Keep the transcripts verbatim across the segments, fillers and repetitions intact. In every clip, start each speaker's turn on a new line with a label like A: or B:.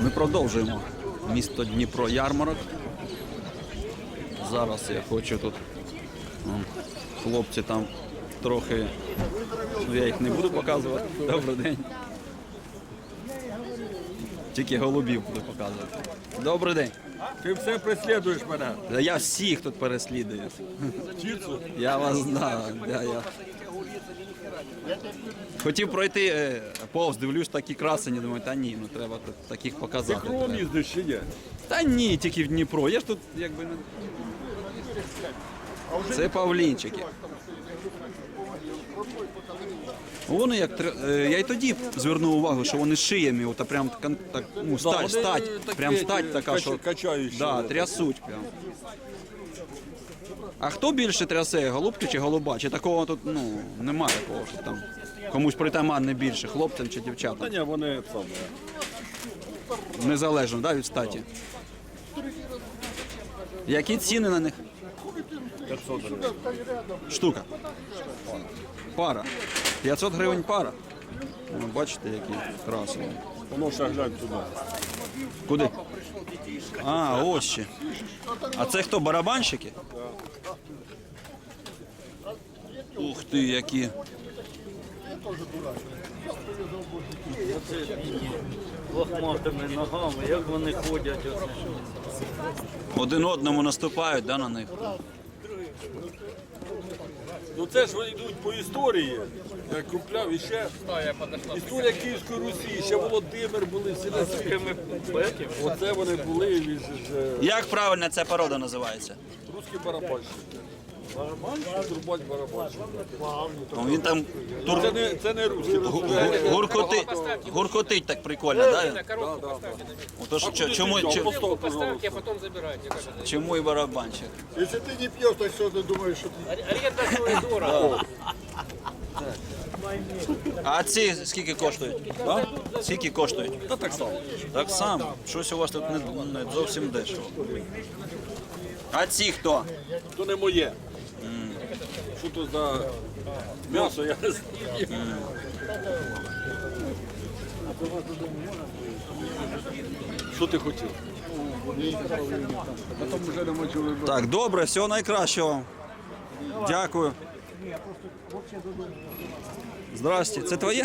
A: Ми продовжуємо місто Дніпро ярмарок. Зараз я хочу тут, вон, хлопці там трохи, ну, я їх не буду показувати. Добрий день. Тільки голубів буду показувати. Добрий день.
B: Ти все переслідуєш мене.
A: Та я всіх тут переслідую.
B: Чіцу?
A: Я вас знаю. Я, я. Хотів пройти е, повз, дивлюсь, такі красені, думаю, та ні, ну треба тут таких
B: Ти
A: показати.
B: кругом
A: треба.
B: їздиш чи ні?
A: Та ні, тільки в Дніпро. Я ж тут якби не. Це павлінчики. Вони як тр- е, я й тоді звернув увагу, що вони шиями, от, прям кон- так, ну, стать,
B: вони
A: стать,
B: такі,
A: прям стать така,
B: кач-
A: що
B: качаючі.
A: да, трясуть прям. А хто більше трясе, голубки чи голуба? Чи такого тут ну, немає такого, що там комусь притаманне більше, хлопцям чи
B: Та
A: дівчатам?
B: ні, вони саме.
A: Незалежно, да, від статі. Які ціни на них?
B: п'ятсот гривень.
A: Штука. Пара. п'ятсот гривень пара. Ну, бачите, які красиві.
B: Воно ще глянь туди.
A: Куди? А, ось ще. А це хто, барабанщики? Ух ти, які.
C: Лохматими ногами, як вони ходять. Оце.
A: Один одному наступають, да, на них?
B: Ну це ж вони йдуть по історії. Я купляв іще. Історія Київської Русі, ще Володимир були, всі на світі. Оце вони були, він же ж е,
A: Як правильно ця порода називається?
B: русський барабанщик. Барабанщик? Турбать барабанщик.
A: Ну, він там тур...
B: Це не, це не русський.
A: гу- гуркоти... гуркотить так прикольно, да? Отож, чо- чому, чо-
D: Поставьте, а потом забирайте. Как это?
A: чому і барабанщик?
E: Если ты не пьешь, так что ты думаешь, что ты...
D: Аренда стоит дорого.
A: А ці скільки коштують? Да? Скільки коштують?
B: Та так само.
A: Так само. Щось у вас тут не, не зовсім дешево. А ці хто?
B: То не моє. Що то за м'ясо, я не знаю. Що ти хотів? Потім вже не можу вибрати.
A: Так, добре, всього найкращого. Дякую. Здрасте, це твоє?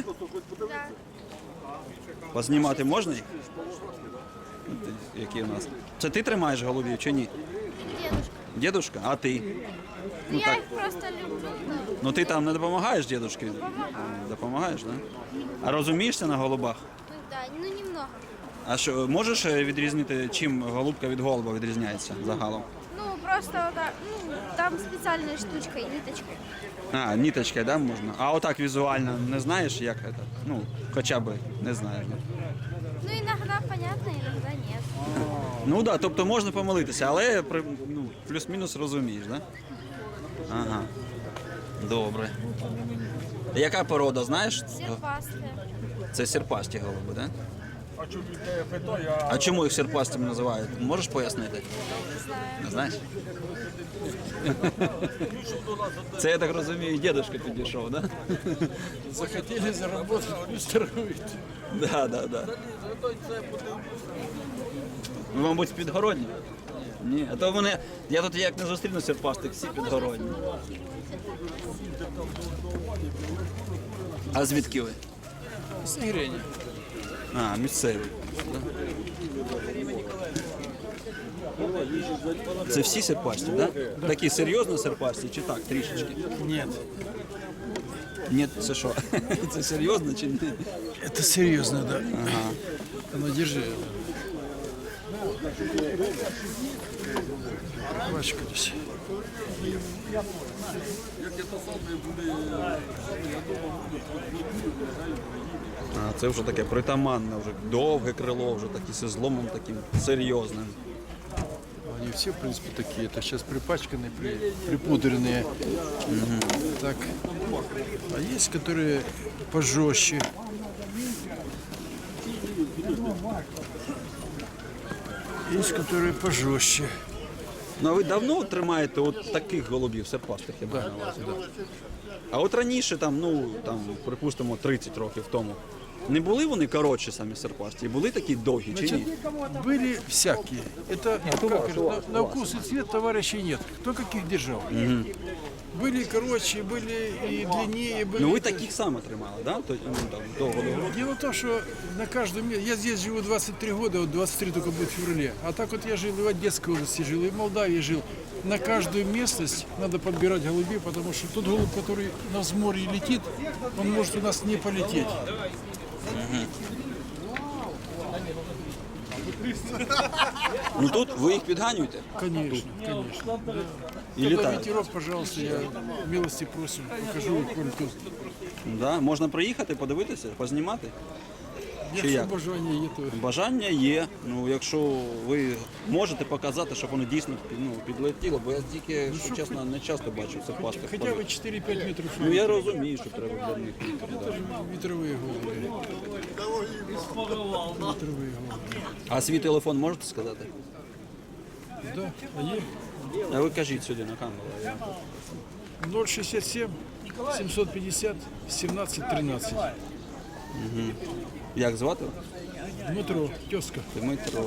A: Познімати можна їх? Ти- Які у нас? Це ти тримаєш голубів чи ні?
F: Дедушка.
A: Дідушка? А ти?
F: Ну, я их просто люблю, но
A: Ну ти там не допомагаєш дідушки? Допомагаєш, так? Да? А розумієшся на голубах?
F: ну, да, ну немного.
A: А що, можеш е, відрізнити, чим голубка від голуба відрізняється загалом?
F: Ну, просто вот так, ну, там специальная штучка и ниточка.
A: А, ниточкой, да, можна? А отак візуально не знаєш, як це? Ну, хоча б не знаєш. Да?
F: Ну, иногда понятно, иногда нет.
A: Ну так, да, тобто можна помилитися, але при- ну, плюс-мінус розумієш, так? Да? Ага. Добре. Яка порода, знаєш?
F: Серпастые.
A: Це серпасті голуби, так? Да?
B: А чому я питаю, а
A: А чому їх серпастими називають? Можеш пояснити?
F: Не знаю.
A: Не знаєш? Це, я так розумію, дідушка підійшов, так? Да?
B: захотіли заробити, плюс торгують.
A: Да, да, да. Ви, мабуть, з підгородні? Ні, а то вони. Я тут як не зустріну серпастих, всі підгородні. А звідки ви?
D: С Игрени.
A: А, місцеві. Це всі серпасті, так? Да? Такі серйозно серпасті чи так, трішечки?
E: Нет,
A: Ні, це що? Це серйозно чи ні?
E: это серьезно, да.
A: Ага.
E: Ну, держи. Пачка здесь.
A: А, це вже таке притаманне, вже довге крило, вже таке зі зломом таким серйозним.
E: Они все, в принципе, такие. Это сейчас припачканные, при, припудренные. Так. А есть, которые пожестче. Есть, которые пожестче.
A: Ну а ви давно тримаєте от таких голубів серпастих, я бачу на вас? А от раніше, там, ну, там, припустимо, тридцять років тому, Не були вони коротші самі серпасті? Були такі довгі чи ні?
E: Были всякие. Это как это, на, на вкус и цвет товарищей нет. Кто каких держал. Были короче, были и длиннее, были.
A: Ну ви таких саме тримали, да? То, ну, там, довго довго.
E: Дело в том, что на каждом месте, я здесь живу двадцать три года, вот двадцать три только будет в феврале, а так вот я жил и в Одесской области жил, и в Молдавии жил. На каждую местность надо подбирать голубей, потому что тот голубь, который на взморье летит, он может у нас не полететь.
A: Ну тут ви їх підганюєте
E: Конечно, конечно. Да.
A: і
E: Когда
A: літають.
E: ветерок, пожалуйста, я милости просим, покажу вам тут.
A: Да? Можна приїхати, подивитися, познімати? Чи
E: Якщо
A: як?
E: бажання є, то
A: Бажання є. Ну, якщо ви можете показати, щоб вони дійсно ну, підлетіло, бо я тільки, якщо чесно, не часто бачу цих пастих.
E: хоча б чотири-п'ять метрів.
A: Ну я розумію, що треба для них. Да.
E: Вітрові голуби. Вітрові голуби.
A: А свій телефон можете сказати?
E: Да, а є?
A: А ви кажіть сюди на камеру. а я-
E: ноль шістдесят сім сімсот п'ятдесят сімнадцять тринадцять.
A: Як звати?
E: Дмитро, тезка.
A: Дмитро.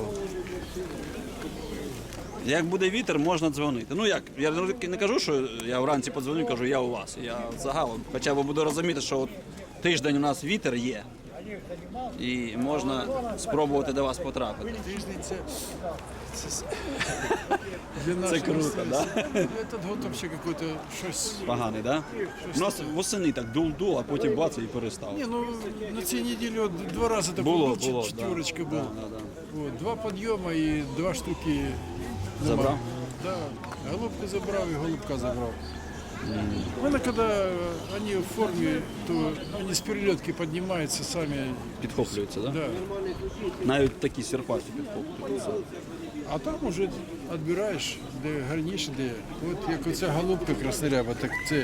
A: Як буде вітер, можна дзвонити. Ну як, я не кажу, що я вранці подзвоню, кажу, я у вас. Я загалом. Хоча б буду розуміти, що от тиждень у нас вітер є. І можна спробувати до вас потрапити.
E: Тиждень це, це для нас
A: Це круто, да?
E: Этот год вообще какой-то щось.
A: Поганий, так? Да? У нас восени так дул-дул, а потім бац і перестав.
E: Ні, ну на цій неділі от два рази такий
A: Було,
E: був,
A: було,
E: четверочка
A: да.
E: був.
A: Да, да, да.
E: Вот, два підйоми і два штуки.
A: Забрав?
E: Да, голубку забрав і голубка забрав. Ну, когда они в форме, то они с перелетки поднимаются сами.
A: Підхоплюється, так? Да?
E: Да.
A: Навіть такі серпасті підхоплюються.
E: А там уже відбираєш, де гарніше, де. От як оця голубка красноряба, так це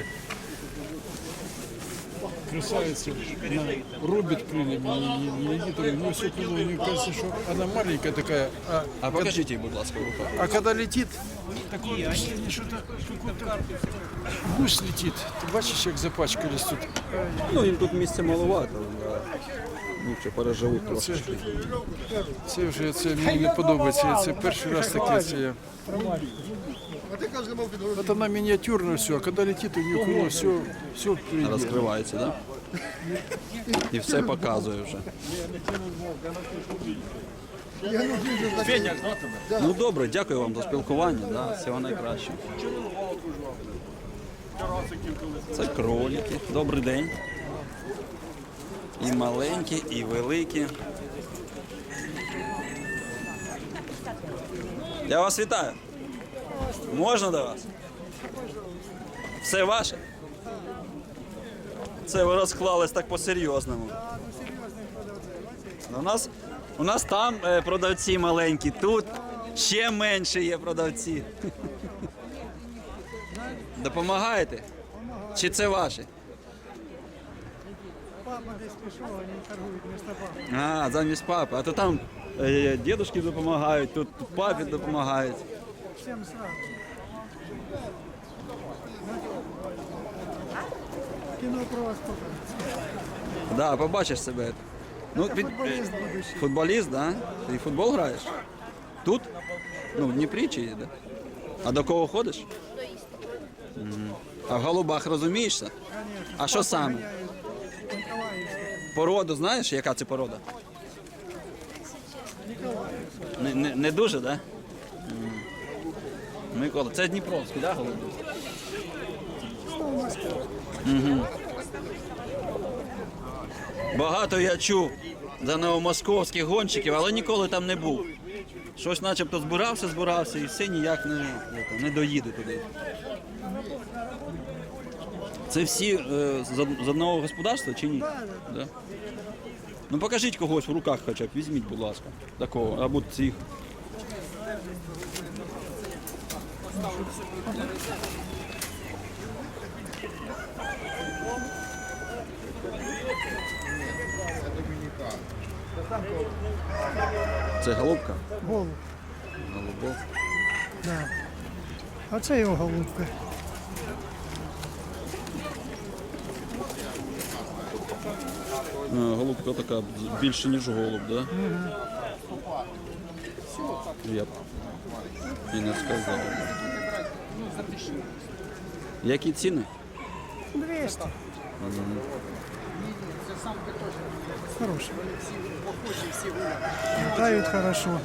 E: красавица, она рубит крыльями, не, не, не, не, ну, все крыло, мне кажется, что она маленькая такая, а,
A: А покажіть їй, будь ласка, в руках.
E: а когда летит, такое впечатление, что-то какой-то гусь летит. Ты бачишь, как запачкались тут?
A: Ну, їм тут місця маловато. Да. Нічого, переживуть
E: Це,
A: трошки.
E: це вже це мені не подобається. Це перший раз таке. Це я. От вона мініатюрна все, а коли летить, у нее крыло все, все впереди.
A: Розкривається, так? Да? І все показує вже. Ну добре, дякую вам за спілкування, да, всього найкращого. Це кролики. Добрий день. І маленькі, і великі. Я вас вітаю. Можна до вас? Все ваше? Це ви розклались так по-серйозному. У нас, у нас там е, продавці маленькі, тут ще менше є продавці. Допомагаєте? Чи це ваші?
G: Папа десь пішов, вони торгують вместо папи.
A: А, замість папи. А то там е, дідушки допомагають, тут папі допомагають.
G: Всім сразу. Кіно про вас покажуть.
A: Да, побачиш себе. Ну, під...
G: Футболіст будущий.
A: Футболіст, да? Ти в футбол граєш? Тут? Ну, в Дніпрі чи де? А до кого ходиш? Мгм. А в голубах розумієшся? А що саме? Породу знаєш, яка це порода? Не, не, не дуже, так? Да? М. Микола, це Дніпровський, так, да, голуби? Угу. Багато я чув за новомосковських гонщиків, але ніколи там не був. Щось начебто збирався, збирався і все ніяк не, не доїде туди. Це всі е, з, од- з одного господарства чи ні? Да. Ну покажіть когось в руках хоча б, візьміть, будь ласка, такого, або цих. Це голубка?
G: Голуб.
A: Голубок.
G: Да. А це його голубка.
A: А, голубка така більше, ніж голуб, так? Да? Я б і не сказав. Які ціни?
G: двести. Хороший. Летают хорошо.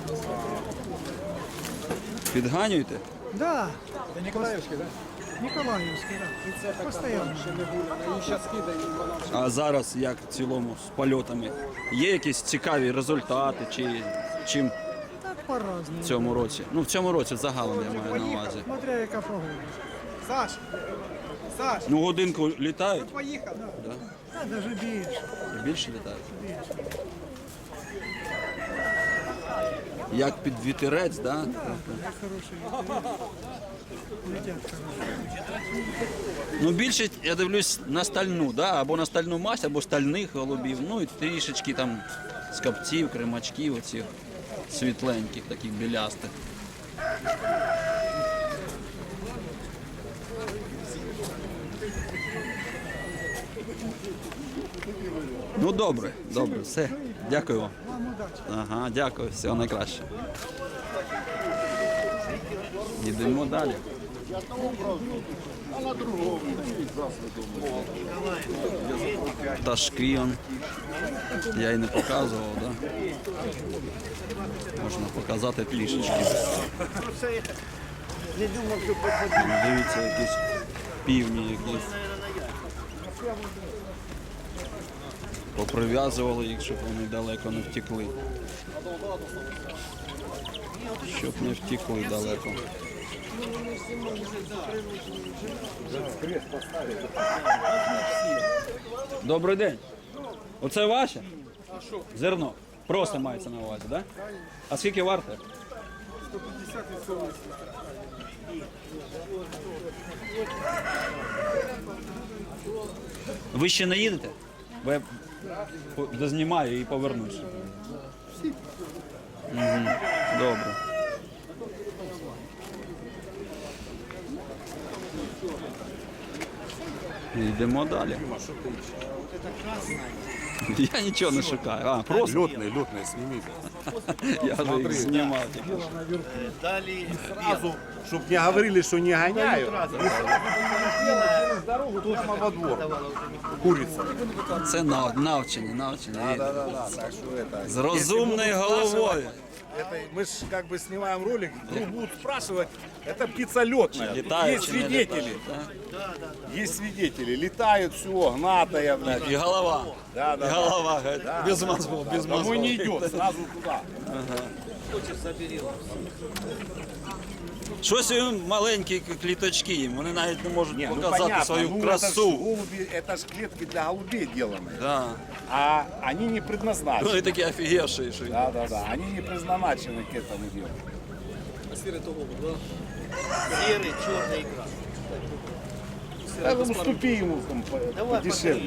A: Підганюєте?
G: Да. Это Николаевский, да? Николаевский, да. Постоянно.
A: А зараз як в цілому з польотами? Є якісь цікаві результати чи чим
G: Так по-разному.
A: в цьому році? Ну в цьому році загалом я маю на увазі.
G: Смотря яка погода. Саш, Саш,
A: Ну годинку літають?
G: поїхав. Да. Да, даже більше.
A: Більше літають? Як під вітерець, так? Да?
G: Хороший. Летять хорошо.
A: Ну більше я дивлюсь на стальну, да? Або на стальну масть, або стальних голубів. Ну і трішечки там скапців, кримачків, оцих світленьких, таких білястих. Ну добре, добре, все. Дякую вам.
G: Вам удачі.
A: Ага, дякую, всього найкраще. Йдемо далі. Пташки он. Я й не показував, да? Можна показати трішечки. Дивіться, якісь півні якісь. Поприв'язували їх, щоб вони далеко не втекли. Щоб не втекли далеко. Добрий день. Оце ваше? Зерно. Просто мається на увазі, так? Да? А скільки варте? Ви ще не їдете? Бо я по- дознімаю і повернусь. Угу. Добре. Йдемо далі. Я нічого не шукаю. А, просто
H: Летный, летный, сними.
A: я вже їх знімав.
H: Сразу, чтоб не говорили, что не гоняю. Через дорогу прямо во двор. Курица.
A: Це нав- навчені, навчені.
H: Да, да, да. Так что это.
A: З розумною головою.
H: Это мы ж как бы снимаем ролик, вдруг будут спрашивать, это птица летная.
A: Літають
H: Есть
A: чи не
H: свидетели.
A: літають, да?
H: Есть свидетели. Летают, все, гнатая, блядь.
A: І голова.
H: Да,
A: І
H: да, да.
A: голова, говорить, без мозгов, без
H: Домой
A: мозгов.
H: не идет, сразу туда.
A: Щось їм маленькі кліточки, їм, вони навіть не можуть
H: Не, ну
A: показати
H: понятно,
A: свою
H: ну, Это ж,
A: красу.
H: голуби, это ж клетки для голубей деланы.
A: Да.
H: А они не
A: Вони
H: предназначены.
A: такі офігевші, що
H: Да, да, да. Они не предназначены к этому делу.
C: Сірий, чорний ікра.
H: Да, ну, уступи ему там по- подешевле.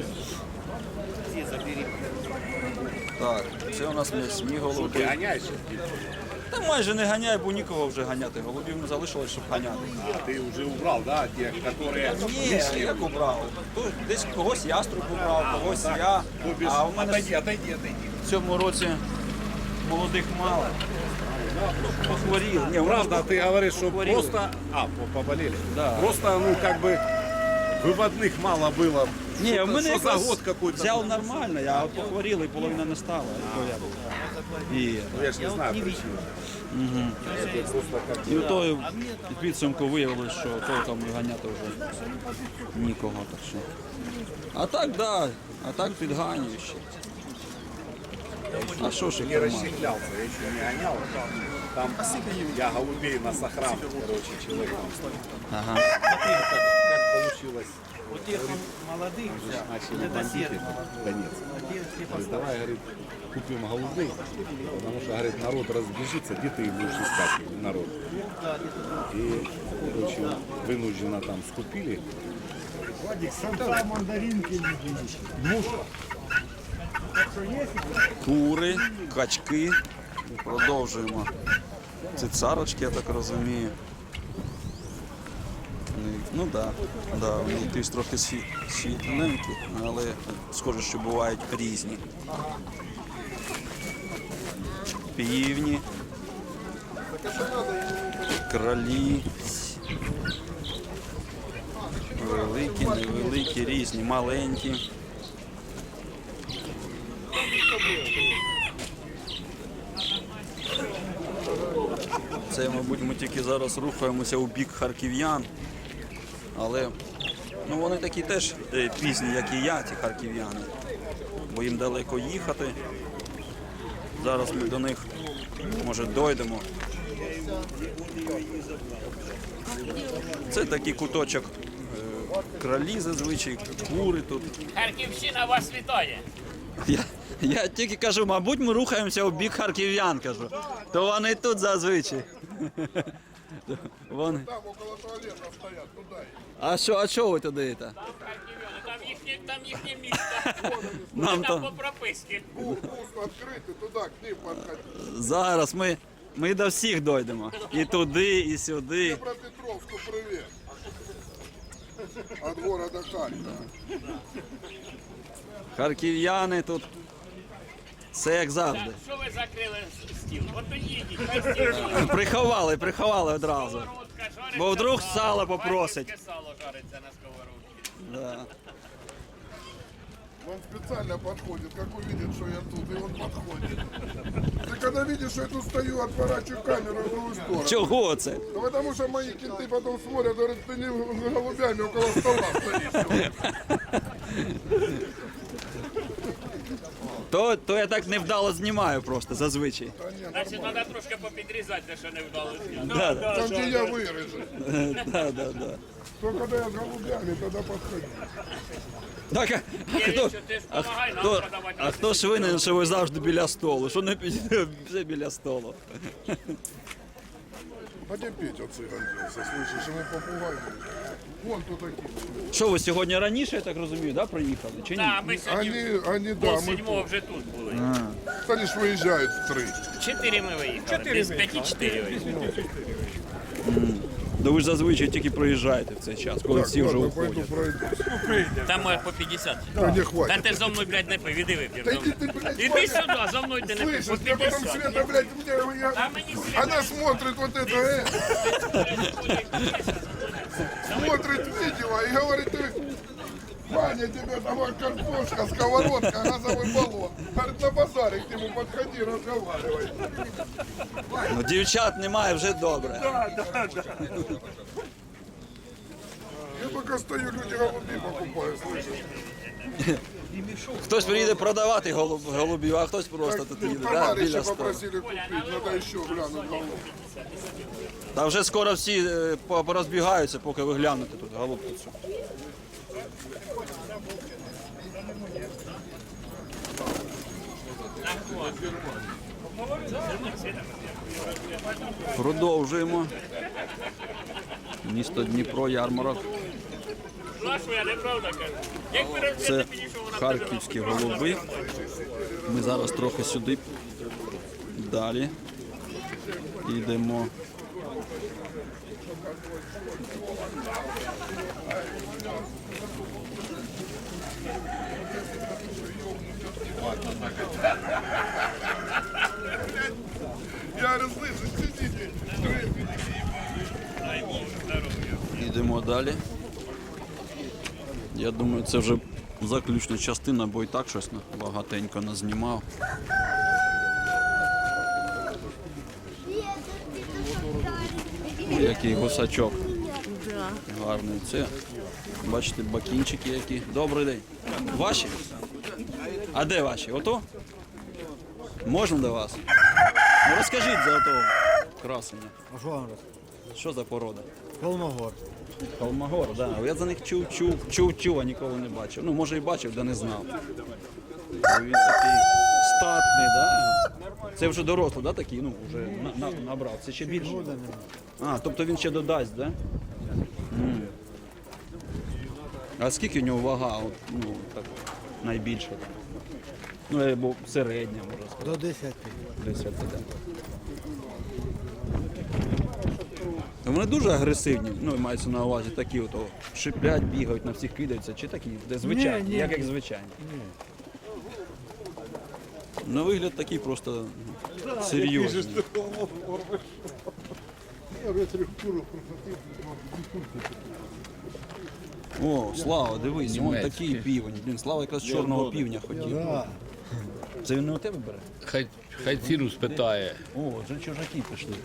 A: Так, це у нас м'ясні
H: Ты
A: голуби.
H: гоняешь?
A: Та майже не ганяй, бо нікого вже ганяти. Голубів не залишилось, щоб ганяти.
H: А, ты уже убрал, да, тех, которые
A: Ні, як убрав. Тут десь когось яструб убрав, когось я.
H: Ну, без-
A: А в мене
H: Отойди, отойди, отойди.
A: в цьому році молодих мало. Похворіли. Ні,
H: Правда, ты говоришь, что
A: Похворели.
H: просто... А, по- поболели?
A: Да.
H: Просто, ну, как бы, выводных мало было.
A: Ні, в
H: Что-то-
A: мене
H: что за
A: якраз
H: год какой-то.
A: взяв нормально, а от похворіли, половина не стала. І, то я був. і,
H: Ну, я ж не знаю причину.
A: і в той підсумку виявилось, що толком ганяти вже нікого. Так що. А так, да, а так підганюю ще. А що ж
H: Не
A: їх тримати?
H: расщеплялся, я еще не гонял. Там я голубей на сохран, короче, человек.
A: Ага.
H: Как, как получилось?
C: У тих молодих
H: Начали бандиты. Донец. Говорит, давай, говорит, купим голубей, потому что, говорит, народ разбежится, где ты их будешь искать, народ. И, короче, вынужденно там скупили.
A: Кури, качки. Продовжуємо. Це царочки, я так розумію. Вони Ну так, да, да, вони якісь трохи сві- світленькі, але схоже, що бувають різні. Півні, кролі, великі, невеликі, різні, маленькі. Це, мабуть, ми тільки зараз рухаємося у бік харків'ян, але ну, вони такі теж е, пізні, як і я, ті харків'яни, бо їм далеко їхати. Зараз ми до них, може, дойдемо. Це такий куточок е, кролі зазвичай, кури тут.
I: Харківщина вас вітає.
A: Я, я тільки кажу, мабуть, ми рухаємося у бік харків'ян, кажу. То вони тут зазвичай. Вони.
J: Там около туалета стоят, туда.
A: А що, а що ви туди йдете?
I: Там їхнє, там їхнє місто.
A: Нам
I: Там
A: то
I: по прописці.
J: Пуст открытый, туда, к ним подходи.
A: зараз ми, ми до всіх дойдемо. І туди, і сюди.
J: Днепропетровску привет. От города Харькова.
A: Харків'яни тут. Все як завжди.
I: Що ви закрили стіл? От то їдіть, хай стіл.
A: Приховали, приховали одразу.
I: Сковородка жариться.
A: Бо вдруг
I: на
A: сало попросить.
I: Харківське сало жариться на сковородці.
A: Да.
J: Он специально подходит, как увидит, что я тут, и он подходит. Ты когда видишь, что я тут стою, отворачиваю камеру в другую сторону.
A: Чого це?
J: Ну, потому что мои кенты потом смотрят, говорят, ты не с голубями около стола стоишь.
A: То, то я так невдало знімаю просто зазвичай.
I: Значить, треба трошки попідрізати, де що не вдалося.
A: Да, да,
J: Там, где я вырежу.
A: да, да, да.
J: То когда я с голубями, тогда подходи.
A: Так, а, а, хто,
I: Ти ж
A: а,
I: допомагай нам
A: хто,
I: продавати.
A: а хто ж винен, що ви завжди біля столу? Що не під- все біля столу?
J: А где Петя цыган делся, слышишь, ему попугай. Вон тут такие.
A: Що ви сьогодні раніше, я так розумію, да, приїхали? Чи ні?
I: Так, ми сьогодні
J: Они, они, да,
I: пол
J: мы
I: седьмого вже тут були.
J: Они ж выезжают в три.
I: Чотири ми виїхали. Без п'яті чотири виїхали.
A: Да ви ж зазвичай тільки приїжджаєте в цей час, коли всі вже
J: Ладно, пойду
A: уходять.
J: пройду.
I: Там може по п'ятдесят.
J: Да не
I: Та
J: хватит.
I: ти зо мною, блядь, не пий, іди вип'єш.
J: Да
I: зо
J: иди
I: мною.
J: ты, блядь,
I: Іди сюди, зо мною ти не пий. По
J: слышишь, мне потом
I: п'ятдесят.
J: Света, блядь, мне, я-
I: А мені Света.
J: она смотрит вот это, э, смотрит видео и говорит, ты, Ваня, тебе там картошка, сковородка, газовый баллон. Говорит, на базаре к нему подходи, разговаривай.
A: Ну, дівчат немає, вже добре.
J: Я пока стою, люди голуби покупают, слышишь?
A: Хтось приїде продавати голуб, голубів, а хтось просто тут їде, да,
J: Товарищи
A: біля столу.
J: попросили купить, надо еще глянуть голубь.
A: Та вже скоро всі е, по- порозбігаються, поки ви глянете тут голубку цю. Продовжуємо. Місто Дніпро, ярмарок.
I: Нашу я неправда кажу. Як ви
A: Це
I: розумієте, підійшов, вона
A: харківські голуби. Ми зараз трохи сюди далі йдемо.
J: Я говорю, слышишь, сидите,
A: Йдемо далі. Я думаю, це вже заключна частина, бо і так щось багатенько назнімав. Ой, який гусачок. Гарний. Це, бачите, бакінчики які. Добрий день. Ваші? А де ваші? Ото? Можна до вас? Ну розкажіть за того красення.
G: А що вам розказати?
A: Що за порода?
G: Холмогор.
A: Холмогор, так. Да. Я за них чув, чув, чув, чув, а ніколи не бачив. Ну, може і бачив, да не знав. Він такий статний, да? Це вже дорослий, да, такий? Ну, вже на, на, набрав. Це ще більше. А, тобто він ще додасть, да? М. А скільки у нього вага? От, ну, так, найбільша? Так? Ну, або середня, можна сказати.
G: До десяти.
A: десять, да. Вони дуже агресивні, ну мається на увазі такі, от, о, шиплять, бігають, на всіх кидаються, чи такі, де звичайні,
E: Ні, ні,
A: як
E: ні.
A: як звичайні. На вигляд такий просто ну, серйозний. О, Слава, дивись, вон такий півень. Блін, Слава якраз чорного півня хотів. Це він не у тебе бере?
B: Хай, хай ціну спитає.
A: О, вже чужаки пішли.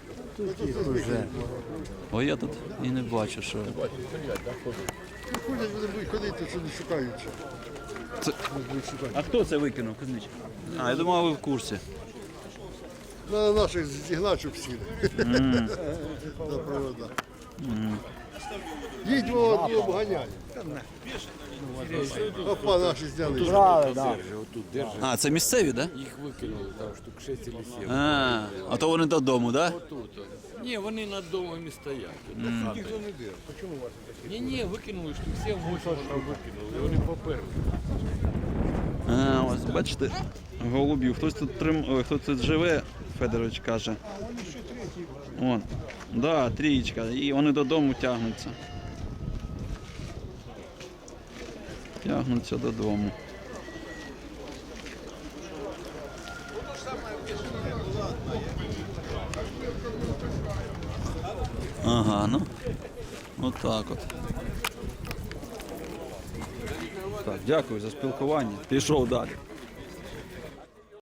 A: О, я тут і не бачу, що.
J: Ходять, вони будуть ходити, це не шукаючи.
A: Це... А хто це викинув, Кузнич? А, я думав, ви в курсі.
J: На наших зігнать, щоб всі. На провода. Їдь во одну обганяй. Опа, наші зняли.
A: А, це місцеві, так? Да?
B: Їх викинули, там штук шість или сім.
A: А, а то вони додому, так? Да?
B: Ні, вони над домом і стоять. Ніхто не де. Ні, ні, викинули штук сім вісім викинули, і вони поперли.
A: А, ось бачите, голубів. Хтось тут трим... Ой, хтось тут живе, Федорович каже. Вон. Да, трієчка. І вони додому тягнуться. Тягнуться додому. Ага, ну. Отак от. Так, дякую за спілкування. Пішов далі.